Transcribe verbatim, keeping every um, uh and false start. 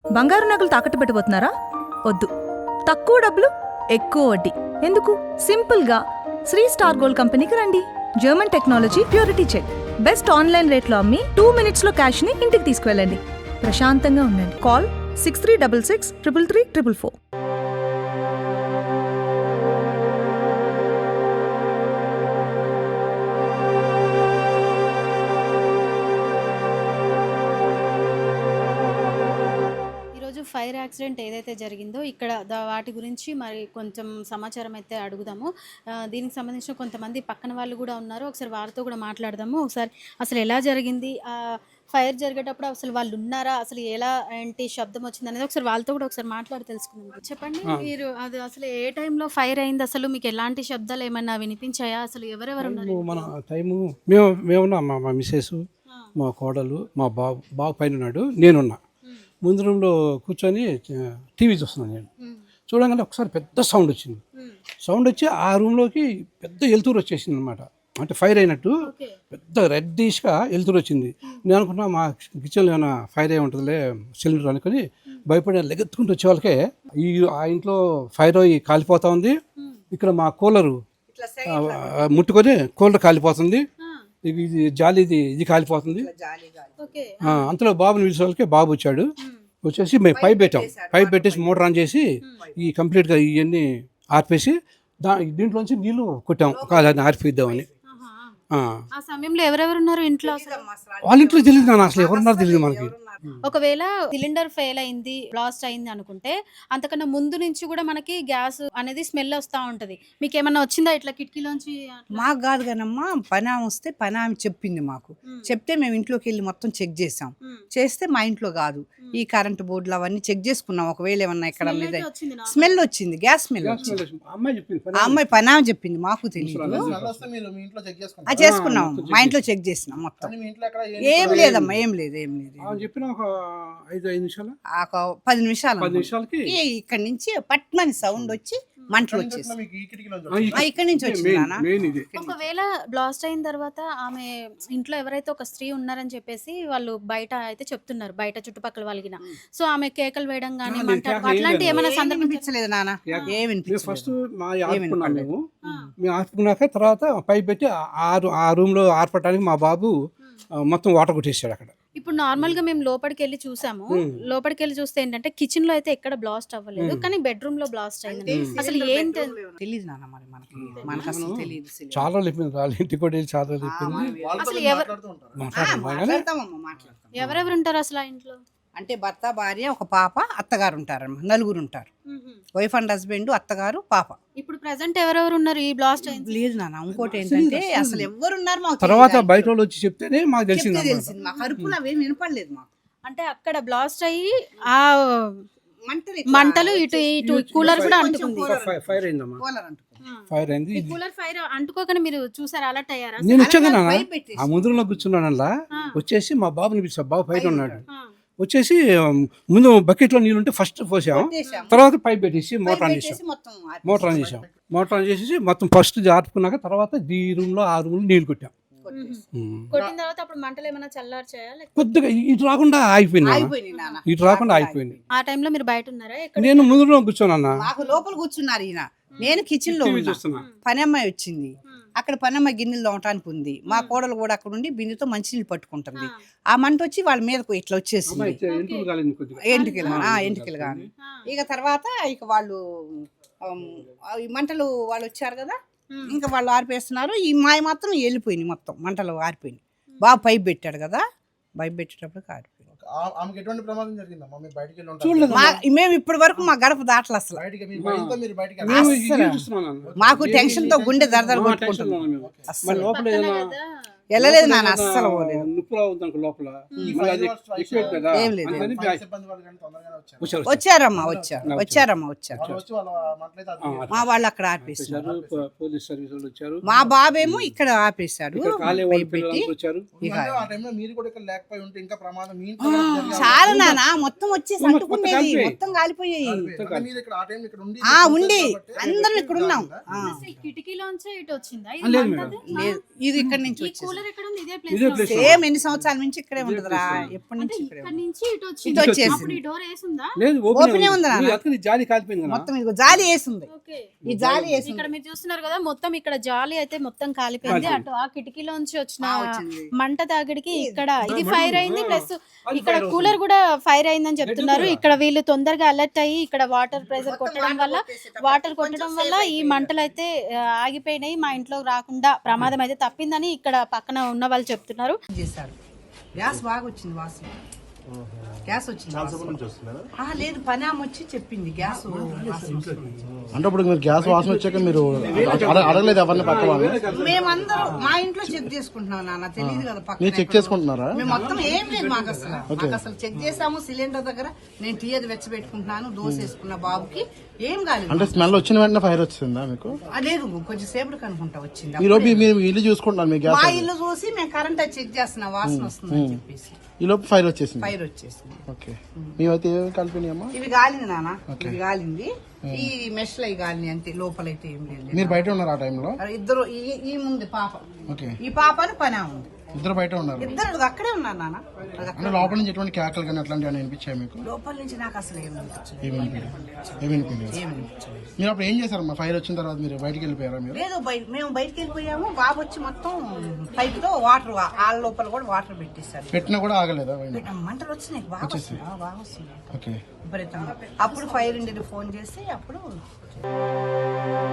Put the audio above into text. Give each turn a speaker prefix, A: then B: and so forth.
A: బంగారు నగలు తాకట్టు పెట్టబోతున్నారా? వద్దు. తక్కువ డబ్బులు ఎక్కువ వడ్డీ ఎందుకు? సింపుల్గా శ్రీ స్టార్ గోల్డ్ కంపెనీకి రండి. German technology, purity check, best online రేట్లో అమ్మి టూ మినిట్స్లో క్యాష్ని ఇంటికి తీసుకువెళ్ళండి. ప్రశాంతంగా ఉండండి. Call six three double six triple three triple four.
B: Fire accident ఏదైతే జరిగిందో ఇక్కడ వాటి గురించి మరి కొంచెం సమాచారం అయితే అడుగుదాము. దీనికి సంబంధించిన కొంతమంది పక్కన వాళ్ళు కూడా ఉన్నారు, ఒకసారి వారితో కూడా మాట్లాడదాము. ఒకసారి అసలు ఎలా జరిగింది, ఫైర్ జరిగేటప్పుడు అసలు వాళ్ళు ఉన్నారా, అసలు ఎలా ఏంటి శబ్దం వచ్చింది అనేది ఒకసారి వాళ్ళతో కూడా ఒకసారి మాట్లాడి తెలుసుకుందాం. చెప్పండి, మీరు అది అసలు ఏ టైంలో ఫైర్ అయింది, అసలు మీకు ఎలాంటి శబ్దాలు ఏమైనా వినిపించాయా, అసలు ఎవరెవరు ఉన్నారు?
C: మన టైము మేము మేమున్నా మా మా మిస్సెస్, మా కోడలు, మా బాబు బాబు పైన ఉన్నాడు, నేనున్నా. ముందు రూమ్లో కూర్చొని టీవీ చూస్తున్నాను. నేను చూడగానే ఒకసారి పెద్ద సౌండ్ వచ్చింది. సౌండ్ వచ్చి ఆ రూమ్లోకి పెద్ద వెలుతురు వచ్చేసింది అనమాట. అంటే ఫైర్ అయినట్టు పెద్ద రెడ్డిష్గా వెలుతురు వచ్చింది. నేను అనుకున్నా మా కిచెన్లో ఏమైనా ఫైర్ అయి ఉంటుందిలే సిలిండర్ అనుకుని భయపడి లెగెత్తుకుంటూ వచ్చే వాళ్ళకే ఈ ఆ ఇంట్లో ఫైర్ అయ్యి కాలిపోతా ఉంది. ఇక్కడ మా కూలరు ముట్టుకొని కూలర్ కాలిపోతుంది. ఇది జాలిది ఇది కాలిపోతుంది. అంతలో బాబుని పిలిచే వాళ్ళకి బాబు వచ్చాడు. వచ్చేసి మేము పైప్ పెట్టాం. పైప్ పెట్టేసి మోటార్ ఆన్ చేసి ఈ కంప్లీట్గా ఇవన్నీ ఆర్పేసి దా దీంట్లోంచి నీళ్లు కొట్టాం దాన్ని ఆర్పిద్దామని.
B: ఆ సమయంలో ఎవరెవరు ఉన్నారు ఇంట్లో?
C: వాళ్ళ ఇంట్లో తెలియదు నాన్న, అసలు ఎవరున్నారో తెలియదు మనకి.
B: ఒకవేళ సిలిండర్ ఫెయిల్ అయింది, బ్లాస్ట్ అయింది అనుకుంటే అంతకన్నా ముందు నుంచి కూడా మనకి గ్యాస్ అనేది స్మెల్ వస్తూ ఉంటది. మీకు ఏమన్నా వచ్చిందా ఇట్లా కిటికీలోంచి?
D: మాకు కాదు కానమ్మా, పని ఆమె వస్తే పని ఆమె చెప్పింది మాకు. చెప్తే మేము ఇంట్లోకి వెళ్ళి మొత్తం చెక్ చేసాం. చేస్తే మా ఇంట్లో కాదు, ఈ కరెంట్ బోర్డులు అవన్నీ చెక్ చేసుకున్నాం. ఒకవేళ ఏమన్నా ఇక్కడ మీద స్మెల్ వచ్చింది, గ్యాస్ స్మెల్ వచ్చింది. ఆ అమ్మాయి పని ఆమె చెప్పింది, మాకు తెలియదు. చేసుకున్నాం, మా ఇంట్లో చెక్ చేసినాం మొత్తం. ఏం లేదమ్మా, ఏం లేదు ఏం లేదు
C: ఒక ఐదు ఐదు నిమిషాలు
D: పది నిమిషాలు
C: పది నిమిషాలకి
D: ఇక్కడ నుంచి పట్మని సౌండ్ వచ్చి మంటలు వచ్చేసి ఇక్కడ నుంచి వచ్చింది.
B: ఒకవేళ బ్లాస్ట్ అయిన తర్వాత ఆమె ఇంట్లో ఎవరైతే ఒక స్త్రీ ఉన్నారని చెప్పేసి వాళ్ళు బయట అయితే చెప్తున్నారు, బయట చుట్టుపక్కల వాళ్ళకి. సో ఆమె కేకలు వేయడం కానీ అట్లాంటి ఏమైనా సందర్భించలేదు
D: నాన్న? ఏమి
C: ఫస్ట్ మా ఆర్పుకున్నాం మేము మేము ఆర్పుకున్నాక తర్వాత పైప్ పెట్టి ఆరు ఆ రూమ్ లో ఆర్పడానికి మా బాబు మొత్తం వాటర్ కొట్టేసాడు అక్కడ.
B: ఇప్పుడు నార్మల్ గా మేము లోపలికి వెళ్ళి చూసాము. లోపలికి వెళ్ళి చూస్తే ఏంటంటే కిచెన్ లో అయితే ఎక్కడ బ్లాస్ట్ అవ్వలేదు, కానీ బెడ్రూమ్ లో బ్లాస్ట్ అయింది. అసలు ఏంటి తెలియదు
D: నాన్న, మరి మనకి మనకు అసలు తెలియదు.
C: చాలా చెప్పింది, వాళ్ళ ఇంటికి కూడా చాలా చెప్పింది.
B: అసలు ఎవరెవరు ఉంటారు అసలు ఆ ఇంట్లో?
D: అంటే భర్త, భార్య, ఒక పాప, అత్తగారు ఉంటారమ్మా. నలుగురు ఉంటారు, వైఫ్ అండ్ హస్బెండ్, అత్తగారు, పాప.
B: ఇప్పుడు ప్రెసెంట్ ఎవరెవరు ఉన్నారు ఈ బ్లాస్ట్ అయింది?
D: లేదు నాన్న, ఇంకోటి ఏంటంటే అసలు ఎవరు ఉన్నారు మాకు
C: తర్వాత బయట వాళ్ళు వచ్చి చెప్తేనే మాకు తెలిసింది.
D: తెలిసింది మాకు, అరుపులు అవేం వినపడలేదు మాకు.
B: అంటే అక్కడ బ్లాస్ట్ అయ్యి ఆ మంటలు ఇటు ఇటు కూలర్ కూడా అంటుకుంది.
C: ఫైర్ అయిందమ్మా, ఫైర్ అయింది.
B: కూలర్ ఫైర్ అంటుకోకనే మీరు చూసారు, అలర్ట్ అయ్యారా?
C: నేను వచ్చాను ఆ ముందులో కూర్చున్నానల్లా వచ్చేసి మా బాబుని పిలిచా. బాబు ఫైర్ ఉన్నాడు. వచ్చేసి ముందు బకెట్లో నీళ్ళు ఉంటే ఫస్ట్ పోసాం, తర్వాత పైప్ పెట్టేసి మోటార్ ఆన్ చేసాం. మోటార్ ఆన్ చేసాం మోటార్ ఆన్ చేసేసి మొత్తం ఫస్ట్ ఆర్పుకున్నాక తర్వాత ఈ రూమ్ లో ఆ రూమ్ లో నీళ్ళు కొట్టాం.
B: కొట్టిన తర్వాత అప్పుడు మంటలు ఏమైనా చల్లార్చాయా?
C: కొద్దిగా ఇటు రాకుండా ఆగిపోయింది, ఇటు రాకుండా ఆగిపోయింది.
B: ఆ టైంలో మీరు బయట ఉన్నారా?
C: నేను ముందు కూర్చోనన్నా,
D: లోపల కూర్చున్నారు ఈయన, నేను కిచెన్ లో పని అమ్మాయి వచ్చింది. అక్కడ పనమ్మ గిన్నెలు తోమటానికి ఉంది. మా కోడలు కూడా అక్కడ ఉండి బిందెతో మంచినీళ్ళు పట్టుకుంటుంది. ఆ మంట వచ్చి వాళ్ళ మీదకు ఇట్లా వచ్చేసింది, ఎంటికలు ఎంటికలు కానీ. ఇక తర్వాత ఇక వాళ్ళు ఈ మంటలు వాళ్ళు వచ్చారు కదా, ఇంకా వాళ్ళు ఆరిపేస్తున్నారు. ఈ మాయ మాత్రం వెళ్ళిపోయింది, మొత్తం మంటలు ఆరిపోయింది. బాగా పైప్ పెట్టాడు కదా, పైప్ పెట్టేటప్పుడు ఆరిపోయింది. మేము ఇప్పటి వరకు మా గడప దాటలు అసలు. మాకు టెన్షన్ తో గుండె దరదర కొట్టుకుంటున్నాం. వెళ్ళలేదు నాన్న, అస్సలు ఏం లేదు. వచ్చారమ్మా వచ్చారు వచ్చారమ్మా వచ్చారు మా వాళ్ళు అక్కడ ఆపేసారు. మా బాబేమో ఇక్కడ ఆపేశాడు. చాలా నాన్న, మొత్తం వచ్చేసి అంటుకునేది, మొత్తం కాలిపోయాయి. ఉండి అందరం ఇక్కడ ఉన్నాం.
B: కిటికీలోంచి ఇటు వచ్చిందా?
D: లేదు, ఇది ఇక్కడ నుంచి వచ్చింది.
B: కూలర్ ఎక్కడ ఉంది? ఇదే ప్లేస్
C: ఇదే
B: లో
C: ప్లేస్
B: ఉంది.
D: సేమ్ ఎన్ని సంవత్సరాల నుంచి ఇక్కడే ఉంటుందిరా, ఎప్పటి
B: అంటే
D: నుంచి ఇక్కడే
B: ఇక్కడ
D: ఉంది.
B: నుంచి ఇటు వచ్చింది.
D: ఇటు వచ్చేసింది.
B: అప్పుడు ఈ డోర్ వేసుందా?
C: లేదు
D: ఓపెనే
C: ఓపెన్
D: ఉంది నాన్న.
C: అతని జాలి కాలిపోయింది కదా.
D: మొత్తం ఇదిగో జాలి వేసింది,
B: ఓకే.
D: ఈ జాలి వేసింది.
B: ఇక్కడ మీరు చూస్తున్నారు కదా, మొత్తం ఇక్కడ జాలి అయితే మొత్తం కాలిపోయింది. అటు ఆ కిటికీలోంచి వచ్చిన
D: వచ్చింది.
B: మంట తాగిడికి ఇక్కడ ఇది ఫైర్ అయింది. ప్లస్ ఇక్కడ కూలర్ కూడా ఫైర్ అయిందని చెప్తున్నారు. ఇక్కడ వీళ్ళు తొందరగా అలర్ట్ అయ్యి ఇక్కడ వాటర్ ప్రెషర్ కొట్టడం వల్ల వాటర్ కొట్టడం వల్ల ఈ మంటలు అయితే ఆ, ఆగిపోయినాయి. మా ఇంట్లో రాకుండా ప్రమాదం అయితే తప్పిందని ఇక్కడ పక్కన ఉన్న వాళ్ళు చెప్తున్నారు.
D: చేశారు. గ్యాస్ బాగా వచ్చింది వాసన, గ్యాస్ వచ్చింది ఆ, లేదు పని ఆమె వచ్చి చెప్పింది గ్యాస్ వాసన వస్తుంది.
E: అంటే ఇప్పుడు మీరు గ్యాస్ వాసన వచ్చాక మీరు అడ- అడగలేదు ఎవరిని పక్క వాళ్ళు?
D: మేమందరం మా ఇంట్లో చెక్ చేసుకుంటున్నాం నాన్న, తెలియదు కదా పక్కన
E: మీరు చెక్
D: ఎక్కడో.
E: చేసుకుంటున్నారా?
D: మేము మొత్తం ఏం లేదు మాకు అసలు మాకు అసలు చెక్ చేసాము. సిలిండర్ దగ్గర నేను టీ అది వెచ్చబెట్టుకుంటున్నాను, దోశ వేసుకున్న బాబుకి ఏం కాలేదు.
E: అంటే స్మెల్ వచ్చిన వెంటనే ఫైర్ వచ్చిందా మీకు?
D: ఆ, లేదు కొంచెం సేపటికి అనుకుంటా వచ్చింది.
E: ఈ లోపు మీరు మీ ఇల్లు చూసుకుంటున్నారు, మీ
D: మా
E: గ్యాస్
D: ఇల్లు చూసి మేము కరెంట్ అది చెక్ చేస్తున్నాం, వాసన వస్తుందని చెప్పేసి
E: ఈ లోపు ఫైర్ వచ్చేసింది.
D: ఫైర్ వచ్చేసింది.
E: ఓకే, మేమైతే ఏమి కలిపినాయమ్మా?
D: ఇవి గాలింది నాన్న, ఇవి గాలింది. ఈ మెష్ లో గాలిని అంతే, లోపలైతే ఏం లేదు.
E: మీరు బయట ఉన్నారు ఆ టైంలో?
D: ఇద్దరు ఈ- ఈ ముందు పాప,
E: ఓకే,
D: ఈ పాపని పని ఉంది,
E: ఇద్దరు బయట ఉన్నారు.
D: ఇద్దరు అక్కడే ఉన్నారు నాన్న. అది అక్కడ-
E: అంటే లోపల నుంచి ఎటువంటి కేకలు కానీ అట్లాంటివి ఏమైనా వినిపించాయి మీకు?
D: లోపల నుంచి నాకు అసలు ఏం అనిపించలేదు,
E: ఏమి వినిపించలేదు. ఏమి వినిపించలేదు.
D: ఏం అనిపించలేదు.
E: మీరు అప్పుడు ఏం చేశారమ్మా? ఫైర్ వచ్చిన తర్వాత మీరు బయటికి వెళ్ళిపోయారా? మీరు
D: లేదు బయ- మేము బయటికి వెళ్ళిపోయాము. బాబు వచ్చి మొత్తం పైప్ తో వాటర్ వాళ్ళ లోపల కూడా వాటర్ పెట్టేశారు.
E: పెట్టినా కూడా ఆగలేదా?
D: మంటలు వచ్చినాయి బాగా వస్తున్నాయి, ఆ, బాగా వస్తున్నాయి
E: ఓకే,
D: విపరీతంగా. అప్పుడు ఫైర్ ఇండియన్ ఫోన్ చేసి అప్పుడు